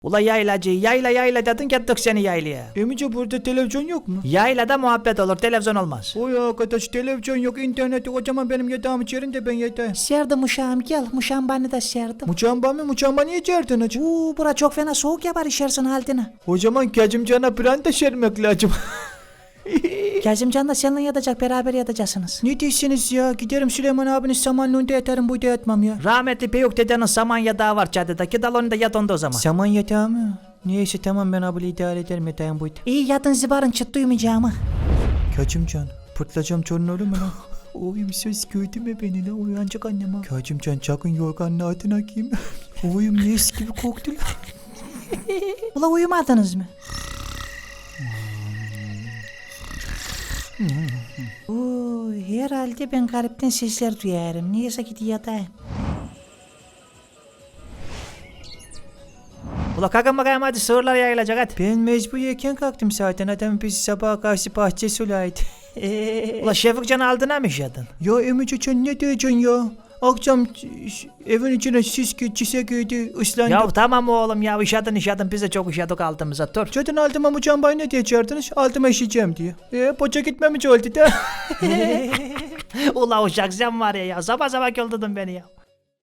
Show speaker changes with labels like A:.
A: Ula yaylacı yayla dedin gittik seni yaylaya.
B: Emice burada televizyon yok mu?
A: Yaylada muhabbet olur televizyon olmaz.
B: Oy arkadaş televizyon yok, internet yok. O zaman benim yatağımı içerin de ben yatayım.
C: Serdim uşağım gel. Muşan bana da serdim.
B: Muçamba niye içerdin hacı?
C: Bura çok fena soğuk yapar işersin haldine.
B: O zaman Kazımcan'a branda şermek lazım.
C: Kazımcan da seninle yatacak, beraber yatacaksınız.
B: Ne diyorsunuz ya? Giderim Süleyman abinin samanlığında yatarım, burada yatmam ya.
A: Rahmetli Peyuk dedenin saman yatağı var çatıda. Gidal onu da yat onda o zaman.
B: Saman yatağı mı? Neyse tamam, ben abla idare ederim, yatağım buydu.
C: İyi yatın zıbarın, çıt duymayacağımı.
B: Kazımcan, pırtlacağım çorun olur mu lan? Oyum söz gördün mü beni lan? Uyanacak annem ha. Kazımcan çakın yorganın altına giyeyim. Oyum nes gibi koktu lan.
C: Ula uyumadınız mı? Herhalde ben garipten sesler duyarım. Neyse git yatayım.
A: Ula kalkın bakayım hadi sığırlar yayılacak hadi.
B: Ben mecburiyken kalktım zaten. Adam bizi sabaha karşı bahçe sulaydı.
A: Ula Şefikcan'ı aldın mı işledin?
B: Ya Emice sen ne diyeceksin ya? Akşam evin içine çise girdi, ıslandı.
A: Ya tamam oğlum ya işedin biz de çok işedik altımıza dur.
B: Zaten altıma Muçamba'yı ne diyecektiniz? Altıma işeyeceğim diye. Boça gitmemiş oldu da.
A: Ula uşak sen var ya sabah sabah öldürdün beni ya.